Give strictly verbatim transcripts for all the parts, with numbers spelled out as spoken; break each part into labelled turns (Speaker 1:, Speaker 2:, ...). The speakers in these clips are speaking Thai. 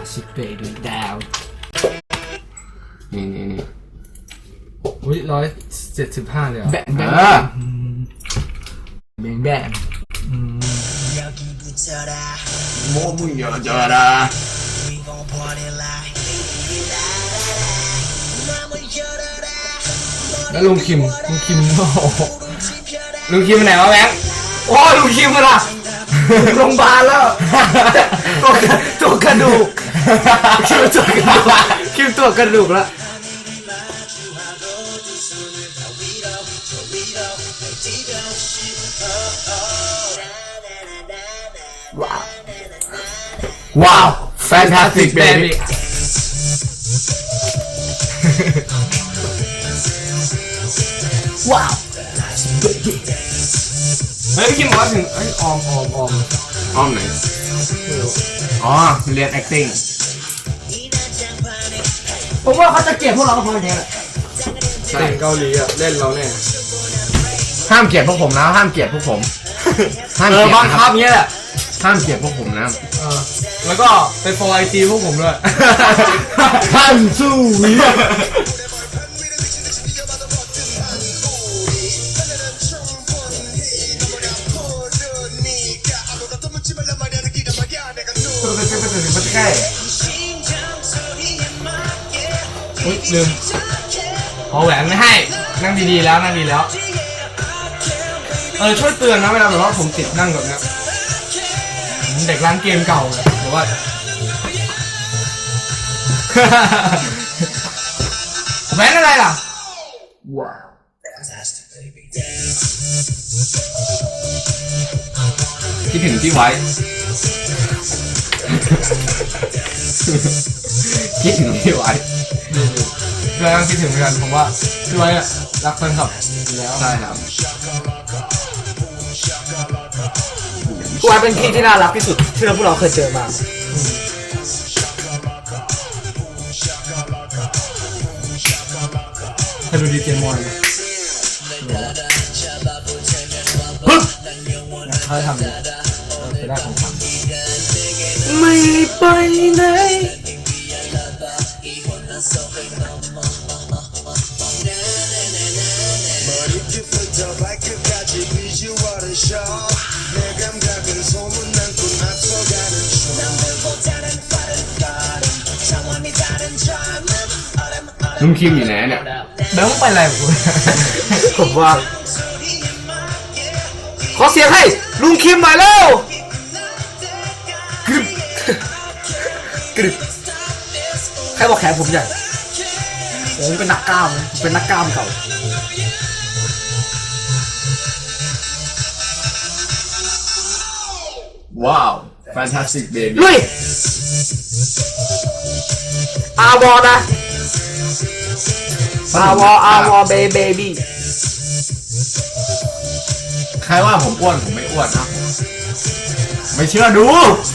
Speaker 1: ชิปเปย์ด้วยดาว
Speaker 2: นี่นี่นี่
Speaker 1: อุ้ยร้อยเจ็ดสิบห้าเลยอ่ะ
Speaker 2: แบงแบงแบงแบงโมมุยเจอดา
Speaker 1: แล้วลุงคิมลุงคิมโอ้ลุงคิมไหนวะแบงค์โอ้ลุงคิมมันอ่ะโรงพยาบาลแล้วตัวตัวกระดูกคิมตัวกระดูกคิมตัวกระดูกแล้วว้าว
Speaker 2: ว้าว fantastic baby
Speaker 1: ว้าวเฮ้ยพี่คิมบอกว่าถึงเอ้ยออมออมออม
Speaker 2: อ้อมไหนอ๋อเรียน acting
Speaker 3: ผมว่าเขาจะเกลียดพวกเราก็พอแค่แหละ
Speaker 1: ใช่เกาหลีอ่ะเล่นเราแน่
Speaker 2: ห้ามเกลียดพวกผมนะห้ามเกลียดพวกผม
Speaker 1: ห้ามเกลียดบังคับเงี้ยแหละ
Speaker 2: ห้ามเกลียดพวกผมนะ
Speaker 1: เออแล้วก็ไปโฟไอจีพวกผมด้วย
Speaker 2: ห้ามสู้
Speaker 1: ใช่อุ๊ยลืมขอแหวนไม่ให้นั่งดีๆแล้วนั่งดีแล้วเออช่วยเตือนนะเวลาแบบว่าผมติดนั่งแบบนี้เด็กร้านเกมเก่าเลยหรือว่าแหวนอะไรล่ะว้าว
Speaker 2: คิดถึงที่ไว้คิดถึงที่ไว้
Speaker 1: เรายังคิดถึงเหมือนกันผมว่าที่ไว้อะรักแฟนคลับแล้ว
Speaker 2: ใช่ครับ
Speaker 3: พี่ไว้เป็นพี่ที่น่ารักที่สุดที่เราพวกเราเคยเจอมา
Speaker 1: ให้ดูดีเจมอนเขาทำเลยไปได้ของขวัญ
Speaker 3: ไม่ไปไหน
Speaker 2: ลุงคิมอยู่ไหนเนี่ย
Speaker 1: เดี๋ยวมึงไปอะไรกู
Speaker 3: ผมว่าขอเสียงให้ลุงคิมหน่อยเร็วกรึบกรึบใครบอกแขนผมใหญ่ผมเป็นนักกล้ามเป็นนักกล้ามเก่า
Speaker 2: ว้าว fantastic baby
Speaker 3: ลุยอาวอนะอาวออาวอเบย์เบบี้
Speaker 2: ใครว่าผมอ้วนผมไม่อ้วนนะไม่เชื่อดู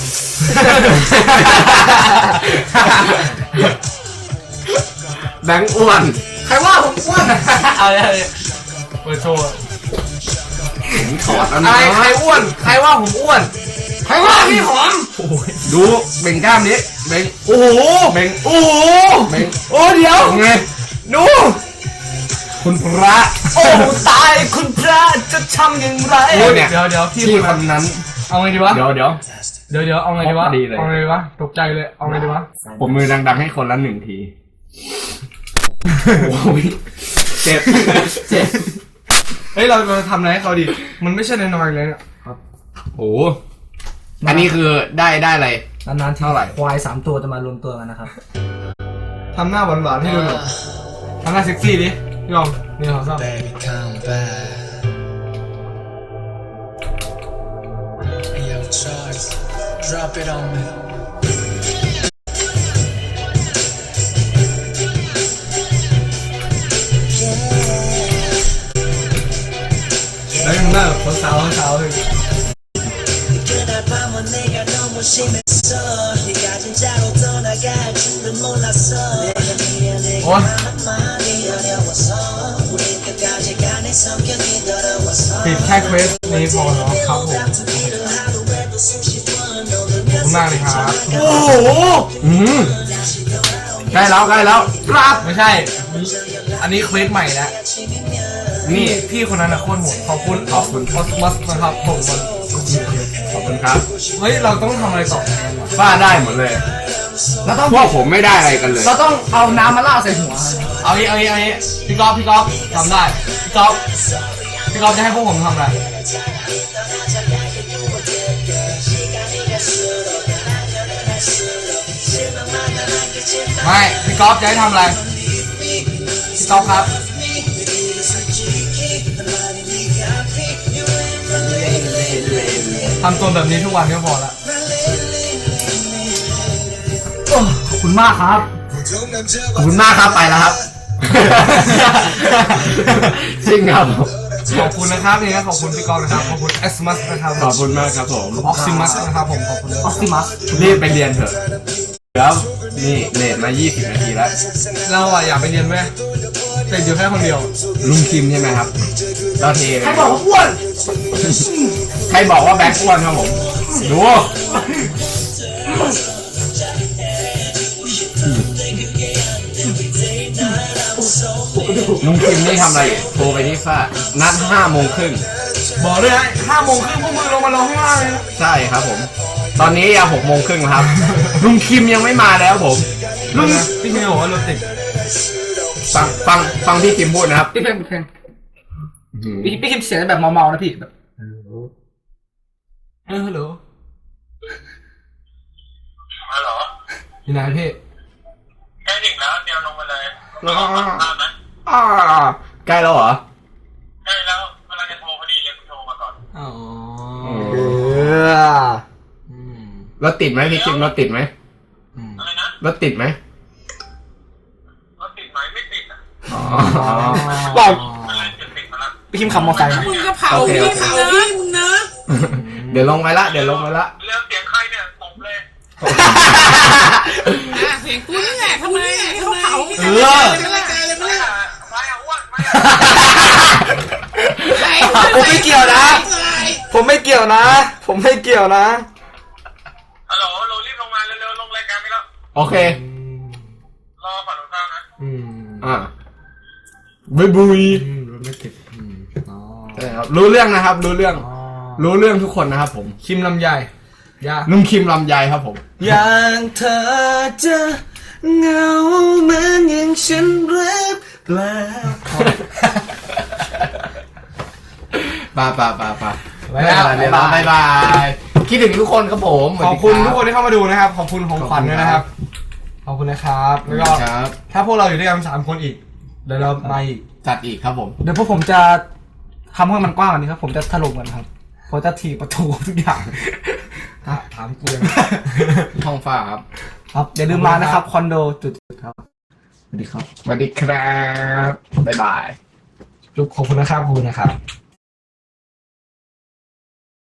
Speaker 2: แบงค์อ้วน
Speaker 3: ใครว่าผมอ้วน
Speaker 1: เอาเลยเปิดโชว์
Speaker 2: ถอด
Speaker 1: อะไรใครอ้วนใครว่าผมอ้วน
Speaker 3: ใครว่าพี่ผอม
Speaker 2: ดูเบ่งกล้ามนี้เบ่งโอ้โหเบ่งโอ้โหเบ่ง
Speaker 3: โอ้เดี๋ยว
Speaker 2: ไง
Speaker 3: ดู
Speaker 2: คุณพระ
Speaker 3: โอ้ตายคุณพระจะทำอย่างไร
Speaker 1: เดี๋ยวเดี๋ยวพี่
Speaker 2: คนนั้น
Speaker 1: เอาไงดีวะ
Speaker 2: เดี๋ยวเดี๋ยว
Speaker 1: เดี๋ยวเดี๋ยวเอาไงดีวะเอาไงดีวะตกใจเลยเอาไงดีวะ
Speaker 2: ผมมือดังๆให้คนละหนึ่งทีโอ้ยเจ็บเจ็บ
Speaker 1: เฮ้ยเราเราทำอะไรให้เขาดีมันไม่ใช่น้อยๆเลยเนี่ย
Speaker 2: ครับโอ้อันนี้คือได้ได้อะไร
Speaker 3: นานๆเท่าไหร่ควายสามตัวจะมารวมตัวกันนะครับ
Speaker 1: ทำหน้าหวานๆให้ดูหน่อยทำหน้าเซ็กซี่ดิยอมนี่เขาชอบDrop it on me. แล้วยังน่าแบบสาวสาวเลยโอ้ปิดแค่เควสนี้พอเนาะครับผมคุณมากเลยครับ
Speaker 3: โอ้โห
Speaker 2: อืมใกล้แล้วใกล้แล้ว
Speaker 3: ครับ
Speaker 1: ไม่ใช่ อันนี้เควสใหม่แล้วนี่พี่คนนั้นนะโคตรโหดขอบคุณออฟออสมัสนะครับผม
Speaker 2: ขอบคุณครับ
Speaker 1: เฮ้ยเราต้องทำอะไรต่อ
Speaker 2: ฝ้าได้หมดเลย
Speaker 3: เราต้อง
Speaker 2: พวกผมไม่ได้อะไรกันเลย
Speaker 3: เราต้องเอาน้ำมาล่าดใส่หัว
Speaker 1: เอางี้เอางี้เอางี้พี่ก๊อฟพี่ก๊อฟทำได้พี่ก๊อฟพี่ก๊อฟจะให้พวกผมทำอะไรไม่พี่ก๊อฟจะให้ทำอะไรพี่ก๊อฟครับทำตัวแบบนี้ทุกวันก็พอละ
Speaker 3: โอ้ขอบคุณมากครับ
Speaker 2: ขอบคุณมากครับไปแล้วครับ จริงครับ
Speaker 1: ขอบคุณนะครับนี่นะขอบคุณพี่ก๊อฟนะครับขอบคุณเอสมัสนะครับ
Speaker 2: ขอบคุณมากครับผม
Speaker 1: ออกซิมัสนะครับผมขอบคุณ
Speaker 3: ออสติมัส
Speaker 2: รีบไปเรียนเถอะแล้วนี่เลทมายี่สิบนาทีแล้ว
Speaker 1: เราอะอยากไปเรียนไหมแต่อยู่แค่คนเดียว
Speaker 2: ลุงคิมใช่ไหมครับเราเท
Speaker 3: ใครบอกว่าอ้วน
Speaker 2: ใครบอกว่าแบ็คอ้วนครับผมดูลุงคิมนี่ทำอะไรอยู่โทรไปที่ฝ้านัดห้าโมงครึ่ง
Speaker 1: บอกเลยนะห้าโมงครึ่งพวกมึงลงมาลงข้างล่างเลยนะ
Speaker 2: ใช่ครับผม ตอนนี้ยังหกโมงครึ่งครับ ลุงคิมยังไม่มาแล้วผม
Speaker 1: ลุงพี่คิมบอกว่ารถติด
Speaker 2: ฟังฟังฟังพี่คิมพูดนะครับ
Speaker 3: พี่เพลงพี่เพลงพี่พี่คิมเสียงแบบเมาๆนะพี่แบบ
Speaker 1: เออฮัลโหล
Speaker 4: ฮัลโหล
Speaker 1: อยู่ไหนพี่
Speaker 4: ใกล้ถึงแล้วเดี๋ยวลงมาเลย
Speaker 2: แล้ว
Speaker 4: ลงมาตามนะ
Speaker 2: อ่าใกล้แล้วเหรอ
Speaker 4: ใกล้แล้วเวลาจะโทรพอดีเลยคุณโทรมาก่อน
Speaker 1: อ๋อ
Speaker 3: เออ
Speaker 1: อืม
Speaker 2: รถติดไหมพี่คิมรถติดไหม
Speaker 1: อืม
Speaker 4: อะไรนะ
Speaker 2: รถติดไหม
Speaker 4: รถติดไหมไม่ติดอ่ะ
Speaker 2: อ๋อ
Speaker 3: บอก
Speaker 4: อะไรจะติดมาแล้ว
Speaker 3: พี่คิมขับมอเตอร์ไซค์นะ
Speaker 5: มึงก็เผาพี่เผาพี่มึงนะ
Speaker 2: เดี๋ยวลงไปละเดี๋ยวลงไปละ
Speaker 4: เรื่องเสียงใครเนี่ยตบเลย
Speaker 5: อ่ะเสียงกูนี่แหละทำไมเขาเผา
Speaker 1: เออ
Speaker 5: เป็นรายการเลย
Speaker 4: ไม่
Speaker 5: ไม่
Speaker 4: อ่ะไม่อ่ะอ้วนไม่อ่ะ
Speaker 3: ผมไม่เกี่ยวนะ ผมไม่เกี่ยวนะ ผมไม่เกี่ยวนะ
Speaker 4: ฮัลโหลเรารีบลงมาเร็วๆลงรายการไปแล้ว
Speaker 2: โอเค
Speaker 4: รอฝั่งตรงข้ามนะ
Speaker 1: อืม
Speaker 2: อ่าบุยบุย
Speaker 1: อืมรถไม่ติดอืมอ๋อ
Speaker 2: ใช่ครับรู้เรื่องนะครับ รู้เรื่อง
Speaker 1: อ๋อ
Speaker 2: รู้เรื่องทุกคนนะครับผม
Speaker 1: คิมลำไยยา
Speaker 2: ลุงคิมลำไยครับผม
Speaker 3: อย่างเธอจะเหงาเหมือนอย่างฉันหรือเปล่า
Speaker 2: ปาปาปาปา
Speaker 1: ไปแล้ว
Speaker 2: บ๊ายบายบ๊ายบายคิดถึงทุกคนครับผม
Speaker 1: ขอบคุณทุกคนที่เข้ามาดูนะครับ ขอบคุณของขวัญด้วยนะครับ ขอบคุณนะครับ แล้วก็
Speaker 2: ครับ
Speaker 1: ถ้าพวกเราอยู่ด้วยกันสามคนอีก เดี๋ยวเรามาอีก
Speaker 2: จัดอีกครับผม
Speaker 3: เดี๋ยวพวกผมจะทำให้มันกว้างกว่านี้ครับ ผมจะถล่มมันครับผมจะถีบประตูทุกอย่าง
Speaker 1: ถ้าถามกูยัง
Speaker 2: ท้องฟ้าครับ
Speaker 3: ครับอย่าลืมมานะครับคอนโดจุดๆครับสวัสดีครับ
Speaker 2: สวัสดีครับบ๊ายบาย
Speaker 1: จุ๊บขอบคุณนะครับขอบคุณนะครับ